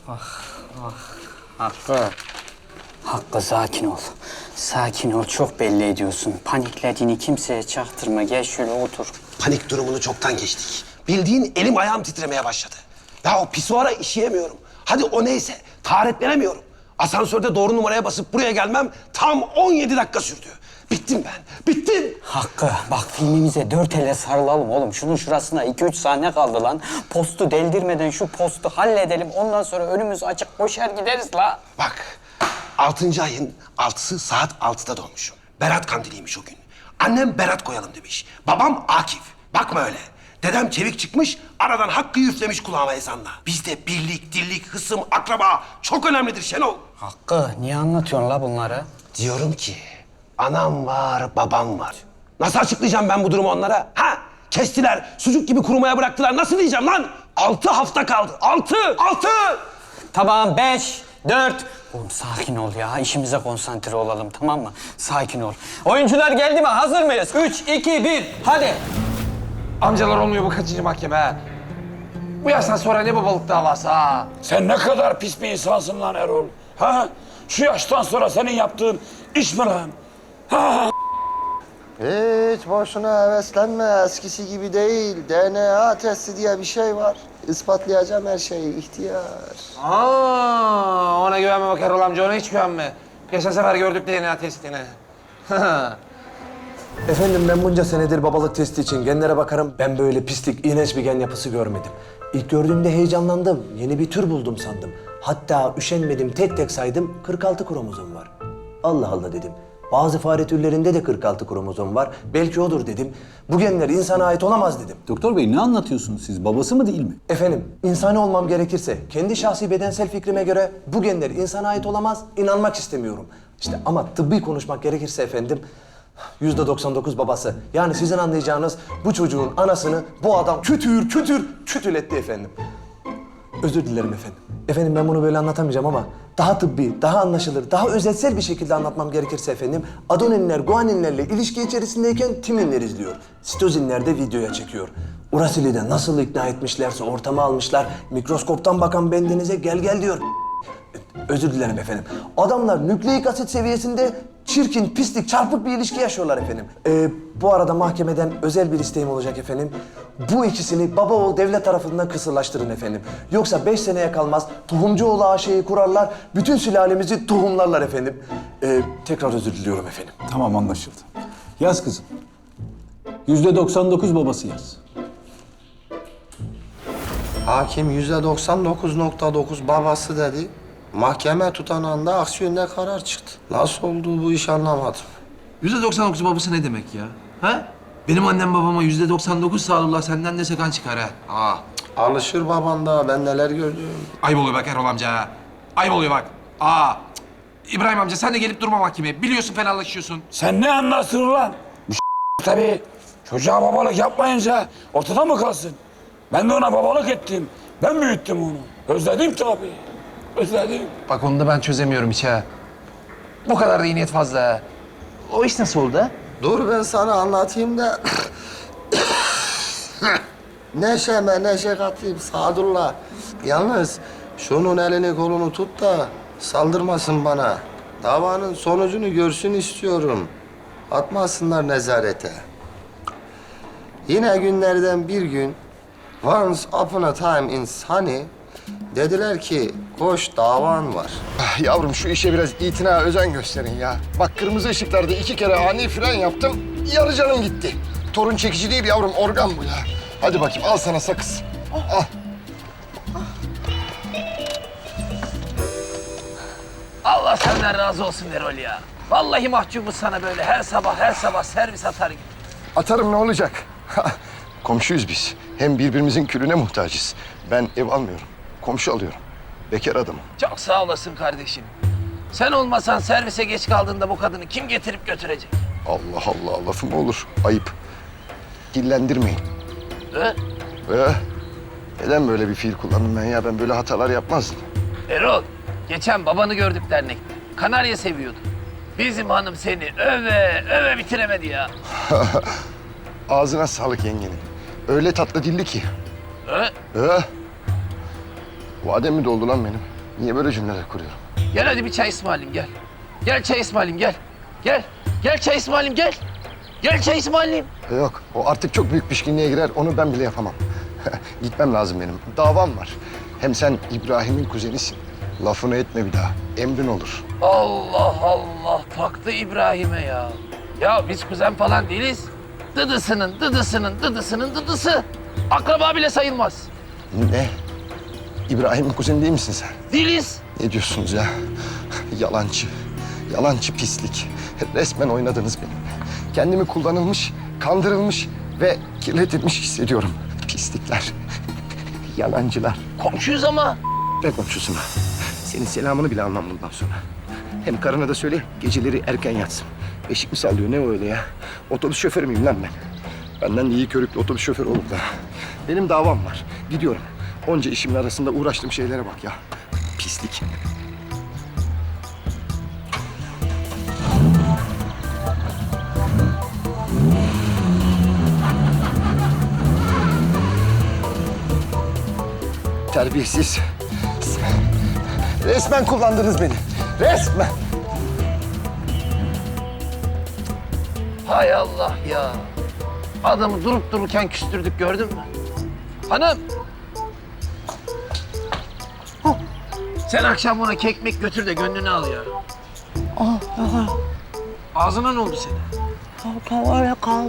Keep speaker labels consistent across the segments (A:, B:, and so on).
A: Hakkı. Hakkı sakin ol. Sakin ol. Çok belli ediyorsun. Paniklediğini kimseye çaktırma. Gel şöyle otur.
B: Panik durumunu çoktan geçtik. Bildiğin elim ayağım titremeye başladı. Ya o pisuara işeyemiyorum. Hadi o neyse, taharetlenemiyorum. Asansörde doğru numaraya basıp buraya gelmem tam 17 dakika sürdü. Bittim ben, bittim.
A: Hakkı bak filmimize 4 elle sarılalım oğlum. Şunun şurasına 2-3 sahne kaldı lan. Postu deldirmeden şu postu halledelim. Ondan sonra önümüz açık koşar gideriz la.
B: Bak, 6. ayın 6'sı saat 6'da doğmuşum. Berat kandiliymiş o gün. Annem Berat koyalım demiş. Babam Akif. Bakma öyle. Dedem çevik çıkmış, aradan Hakkı üflemiş kulağıma ezanla. Bizde birlik, dirlik, hısım, akraba çok önemlidir Şenol.
A: Hakkı niye anlatıyorsun la bunları?
B: Diyorum ki, anam var, babam var. Nasıl açıklayacağım ben bu durumu onlara? Ha? Kestiler, sucuk gibi kurumaya bıraktılar. Nasıl diyeceğim lan? 6 hafta kaldı. 6!
A: Tamam 5, 4. Oğlum sakin ol ya. İşimize konsantre olalım tamam mı? Sakin ol. Oyuncular geldi mi? Hazır mıyız? 3, 2, 1. Hadi.
C: Amcalar olmuyor bu kaçıncı mahkeme ha? Bu yaştan sonra ne babalık davası ha?
D: Sen ne kadar pis bir insansın lan Erol. Ha? Şu yaştan sonra senin yaptığın iş mi lan?
E: Hiç boşuna heveslenme. Eskisi gibi değil. DNA testi diye bir şey var. İspatlayacağım her şeyi. İhtiyar.
C: Ona güvenme bak Erol amca, ona hiç güvenme. Geçen sefer gördük DNA testini.
F: Efendim ben bunca senedir babalık testi için genlere bakarım. Ben böyle pislik, iğrenç bir gen yapısı görmedim. İlk gördüğümde heyecanlandım. Yeni bir tür buldum sandım. Hatta üşenmedim tek tek saydım 46 kromozom var. Allah Allah dedim. Bazı fare türlerinde de 46 kromozom var. Belki odur dedim. Bu genler insana ait olamaz dedim.
G: Doktor bey ne anlatıyorsunuz siz? Babası mı değil mi?
F: Efendim, insani olmam gerekirse kendi şahsi bedensel fikrime göre bu genler insana ait olamaz, inanmak istemiyorum. İşte ama tıbbi konuşmak gerekirse efendim, %99 babası. Yani sizin anlayacağınız bu çocuğun anasını bu adam kütületti efendim. Özür dilerim efendim. Efendim ben bunu böyle anlatamayacağım ama daha tıbbi, daha anlaşılır, daha özetsel bir şekilde anlatmam gerekirse efendim, adeninler, guaninlerle ilişki içerisindeyken timinler izliyor. Sitozinler de videoya çekiyor. Uracil'i de nasıl ikna etmişlerse ortama almışlar, mikroskoptan bakan bendenize gel diyor. Özür dilerim efendim. Adamlar nükleik asit seviyesinde çirkin, pislik, çarpık bir ilişki yaşıyorlar efendim. Bu arada mahkemeden özel bir isteğim olacak efendim. Bu ikisini baba oğul devlet tarafından kısırlaştırın efendim. Yoksa 5 seneye kalmaz Tohumcuoğlu AŞ'yi kurarlar, bütün sülalemizi tohumlarlar efendim. Tekrar özür diliyorum efendim.
G: Tamam anlaşıldı. Yaz kızım. %99 babası yaz.
E: Hakim %99.9 babası dedi. Mahkeme tutanağında aksi yönde karar çıktı. Nasıl oldu bu iş anlamadım.
C: %99 babası ne demek ya? Ha? Benim annem babama %99 sağlıkla senden de sakan çıkar ha.
E: Alışır baban da, ben neler gördüm.
C: Ayıp oluyor bak Erol amca. Ayıp oluyor bak. İbrahim amca sen de gelip durma mahkemeye. Biliyorsun fenalaşıyorsun.
D: Sen ne anlarsın lan? Bu tabii. Çocuğa babalık yapmayınca ortada mı kalsın? Ben de ona babalık ettim. Ben büyüttüm onu. Özledim tabii. Özledim.
C: Bak onu da ben çözemiyorum hiç ha. Bu kadar da iyi niyet fazla ha. O iş nasıl oldu ha?
E: Dur ben sana anlatayım da... neşe katayım Sadullah. Yalnız şunun elini kolunu tut da saldırmasın bana. Davanın sonucunu görsün istiyorum. Atmasınlar nezarete. Yine günlerden bir gün once upon a time in Sunny dediler ki koş davan var.
H: Yavrum şu işe biraz itina, özen gösterin ya. Bak kırmızı ışıklarda 2 kere ani fren yaptım, yarı canım gitti. Torun çekici değil yavrum, organ bu ya. Hadi bakayım, al sana sakız. Al.
C: Allah senden razı olsun Erol ya. Vallahi mahcubuz sana böyle her sabah servis atar gibi.
H: Atarım ne olacak? Komşuyuz biz. Hem birbirimizin külüne muhtacız. Ben ev almıyorum, komşu alıyorum. Bekar adamım.
C: Çok sağ olasın kardeşim. Sen olmasan servise geç kaldığında bu kadını kim getirip götürecek?
H: Allah Allah, lafım olur. Ayıp. Dillendirmeyin.
C: He?
H: Neden böyle bir fiil kullandım ben ya? Ben böyle hatalar yapmazdım.
C: Erol, geçen babanı gördük dernekte. Kanarya seviyordu. Bizim hanım seni öve bitiremedi ya.
H: Ağzına sağlık yengenin. Öyle tatlı dilli ki.
C: He?
H: Vadem mi doldu lan benim? Niye böyle cümleler kuruyorum?
C: Gel hadi bir çay ısmarlayayım gel. Gel çay ısmarlayayım gel. Gel. Gel çay ısmarlayayım gel. Gel çay ısmarlayayım.
H: Yok, o artık çok büyük pişkinliğe girer. Onu ben bile yapamam. Gitmem lazım benim. Davam var. Hem sen İbrahim'in kuzenisin. Lafını etme bir daha. Emrin olur.
C: Allah Allah taktı İbrahim'e ya. Ya biz kuzen falan değiliz. Dıdısının dıdısının dıdısının dıdısı. Akraba bile sayılmaz.
H: Ne? İbrahim'in kuzeni değil misin sen?
C: Değiliz.
H: Ne diyorsunuz ya? Yalancı. Yalancı pislik. Resmen oynadınız benimle. Kendimi kullanılmış, kandırılmış ve kirletilmiş hissediyorum. Pislikler. Yalancılar.
C: Komşuyuz ama.
H: Ne komşusuna? Senin selamını bile almam bundan sonra. Hem karına da söyle geceleri erken yatsın. Beşik mi sallıyor ne o öyle ya? Otobüs şoförü müyüm lan ben? Benden de iyi körüklü otobüs şoförü olur da. Benim davam var. Gidiyorum. Onca işimin arasında uğraştığım şeylere bak ya. Pislik. Terbiyesiz. Resmen kullandınız beni. Resmen.
C: Hay Allah ya. Adamı durup dururken küstürdük gördün mü? Hanım. Huh. Sen akşam ona kekmek götür de gönlünü al ya. Ağzına ne oldu senin?
I: Öyle kaldı.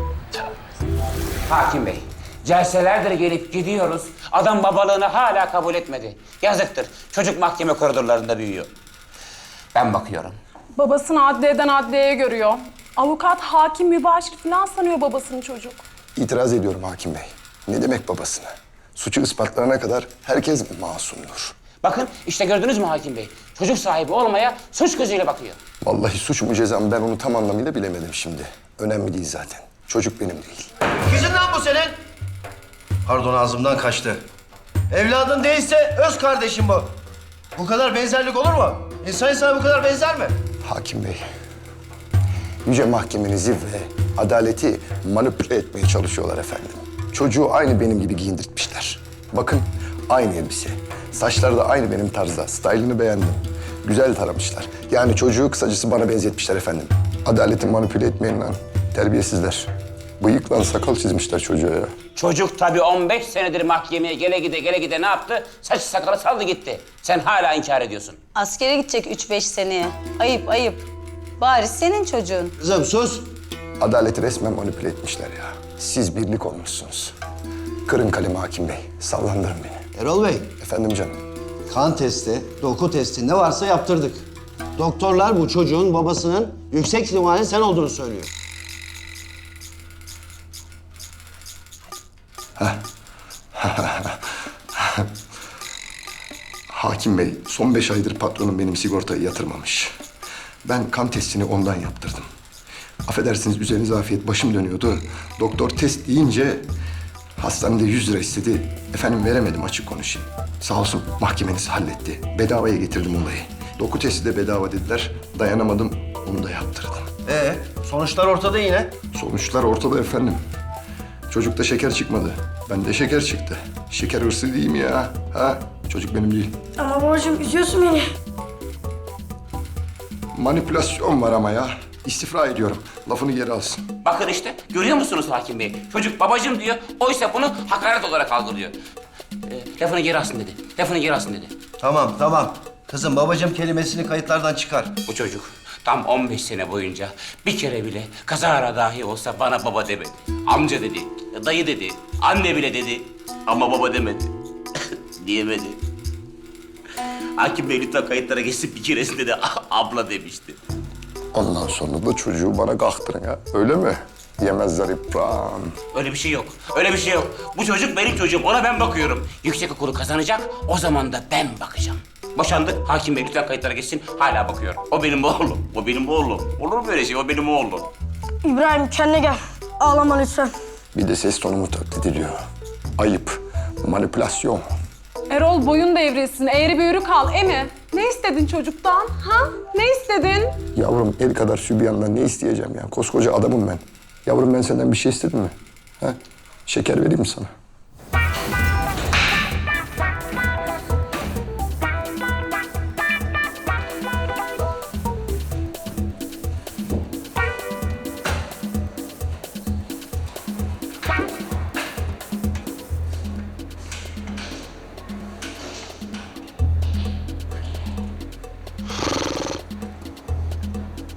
J: Hakim Bey, celselerdir gelip gidiyoruz. Adam babalığını hala kabul etmedi. Yazıktır. Çocuk mahkeme koridorlarında büyüyor. Ben bakıyorum.
I: Babasını adliyeden adliyeye görüyor. Avukat, hakim, mübaşir falan sanıyor babasını çocuk.
H: İtiraz ediyorum hakim bey. Ne demek babasına? Suçu ispatlarına kadar herkes masumdur.
J: Bakın işte gördünüz mü Hakim Bey? Çocuk sahibi olmaya suç gözüyle bakıyor.
H: Vallahi suç mu ceza mı ben onu tam anlamıyla bilemedim şimdi. Önemli değil zaten. Çocuk benim değil.
E: Kızın lan bu senin. Pardon ağzımdan kaçtı. Evladın değilse öz kardeşim bu. Bu kadar benzerlik olur mu? İnsan insana bu kadar benzer mi?
H: Hakim bey, yüce mahkemenizi ve adaleti manipüle etmeye çalışıyorlar efendim. Çocuğu aynı benim gibi giyindirtmişler. Bakın aynı elbise. Saçları da aynı benim tarzda. Stylini beğendim. Güzel taramışlar. Yani çocuğu kısacası bana benzetmişler efendim. Adaleti manipüle etmeyin lan. Terbiyesizler. Bıyıkla sakal çizmişler çocuğa ya.
J: Çocuk tabii 15 senedir mahkemeye gele gide ne yaptı? Saç sakalı saldı gitti. Sen hala inkar ediyorsun.
K: Askere gidecek 3-5 seneye. Ayıp ayıp. Bari senin çocuğun.
E: Kızım sus.
H: Adaleti resmen manipüle etmişler ya. Siz birlik olmuşsunuz. Kırın kalemi hakim bey. Sallandırın beni.
E: Erol Bey,
H: Efendim canım.
E: kan testi, doku testi ne varsa yaptırdık. Doktorlar bu çocuğun babasının yüksek ihtimalle sen olduğunu söylüyor.
H: Hakim bey, son 5 aydır patronum benim sigortayı yatırmamış. Ben kan testini ondan yaptırdım. Affedersiniz üzerinize afiyet, başım dönüyordu. Doktor test deyince hastanede 100 lira istedi. Efendim veremedim, açık konuşayım. Sağ olsun mahkemeniz halletti. Bedavaya getirdim olayı. Doku testi de bedava dediler. Dayanamadım, onu da yaptırdım.
E: Sonuçlar ortada yine.
H: Sonuçlar ortada efendim. Çocukta şeker çıkmadı. Bende şeker çıktı. Şeker hırsı değil mi ya? Ha? Çocuk benim değil.
I: Ama babacığım üzüyorsun beni.
H: Manipülasyon var ama ya. İstifra ediyorum. Lafını geri alsın.
J: Bakın işte görüyor musunuz Hakim Bey? Çocuk babacığım diyor. Oysa bunu hakaret olarak algılıyor. Lafını geri alsın dedi. Lafını geri alsın dedi.
E: Tamam. Kızım babacığım kelimesini kayıtlardan çıkar.
J: Bu çocuk tam 15 sene boyunca bir kere bile kazara dahi olsa bana baba demedi. Amca dedi, dayı dedi, anne bile dedi ama baba demedi. Diyemedi. Hakim Bey lütfen kayıtlara geçsin bir keresinde de abla demişti.
H: Ondan sonra da çocuğu bana kalktırın ya. Öyle mi? Yemezler İbrahim.
J: Öyle bir şey yok. Öyle bir şey yok. Bu çocuk benim çocuğum. Ona ben bakıyorum. Yüksek okulu kazanacak. O zaman da ben bakacağım. Boşandık. Hakim Bey lütfen kayıtlara geçsin. Hala bakıyor. O benim oğlum. O benim oğlum. Olur mu böyle şey? O benim oğlum.
I: İbrahim kendine gel. Ağlama lütfen.
H: Bir de ses tonumu taklit ediyor. Ayıp. Manipülasyon.
I: Erol boyun devrilsin, eğri büğrü kal, emi. Ne istedin çocuktan, ha? Ne istedin?
H: Yavrum el kadar sübyandan ne isteyeceğim ya? Koskoca adamım ben. Yavrum ben senden bir şey istedim mi? Ha? Şeker vereyim mi sana?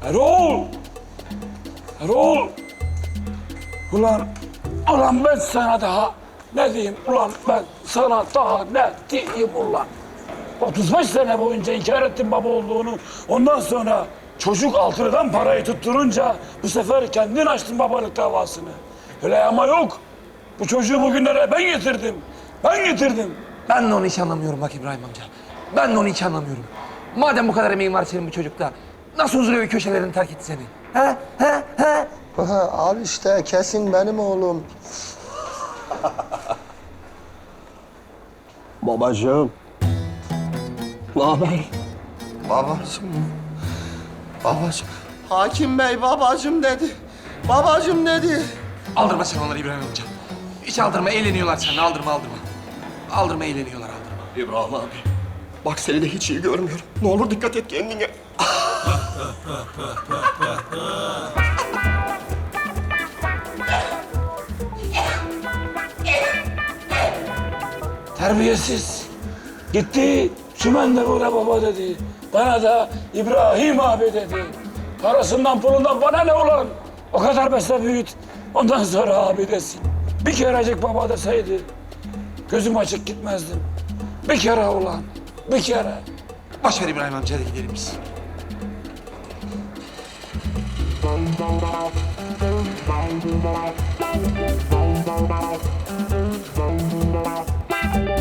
D: Erol! Erol! Ulan ben sana daha ne diyeyim ulan ben sana daha ne diyeyim ulan? 35 sene boyunca inkar ettim baba olduğunu. Ondan sonra çocuk Altını'dan parayı tutturunca bu sefer kendin açtın babalık davasını. Öyle ama yok. Bu çocuğu bugünlere ben getirdim. Ben getirdim.
L: Ben de onu hiç anlamıyorum bak İbrahim amca. Ben de onu hiç anlamıyorum. Madem bu kadar emeğin var senin bu çocukta, nasıl huzur evi köşelerini terk etti seni? He? He? He?
H: Al işte kesin benim oğlum.
E: Babacığım.
H: Ne haber? Babacığım. Babacığım. Hakim Bey babacığım dedi. Babacığım dedi.
L: Aldırma sen onları İbrahim amca. Hiç aldırma, eğleniyorlar seninle. Aldırma. Aldırma, eğleniyorlar, aldırma.
H: İbrahim abi. Bak seni de hiç iyi görmüyorum. Ne olur dikkat et kendine.
D: Terbiyesiz. Gitti, Sümen de burada baba dedi. Bana da İbrahim abi dedi. Parasından pulundan bana ne ulan? O kadar besle büyüt. Ondan sonra abi desin. Bir kerecik baba deseydi gözüm açık gitmezdim. Bir kere ulan, bir kere.
L: Boş ver İbrahim amca, hadi gidelim biz.